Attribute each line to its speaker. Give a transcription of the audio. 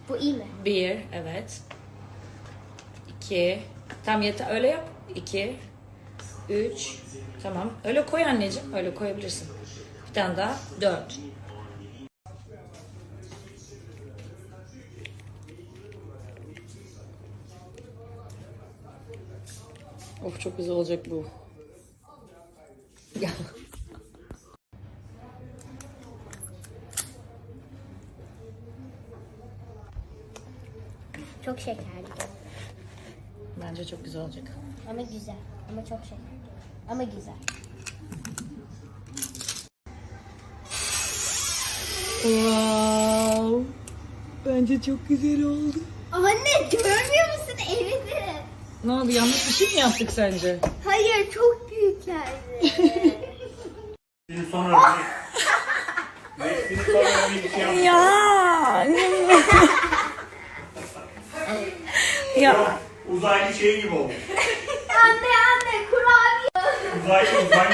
Speaker 1: Bu iyi mi?
Speaker 2: 1, evet. 2, tam yeter, öyle yap. 2, 3, tamam. Öyle koy anneciğim, öyle koyabilirsin. Bir tane daha, 4. Of, çok güzel olacak bu. Ya.
Speaker 1: Çok şekerli.
Speaker 2: Bence çok güzel olacak.
Speaker 1: Ama güzel. Ama çok şekerli. Ama güzel.
Speaker 2: Wow. Bence çok güzel oldu.
Speaker 1: Anne görmüyor musun evini?
Speaker 2: Ne oldu? Yanlış bir şey mi yaptık sence?
Speaker 1: Hayır çok büyüklerdi.
Speaker 3: Şimdi sonra Nesli'nin sonra bir şey yapmış.
Speaker 2: Ya. Ya.
Speaker 3: Uzaylı şey gibi olmuş.
Speaker 1: Anne kurabiye.
Speaker 3: Uzaylı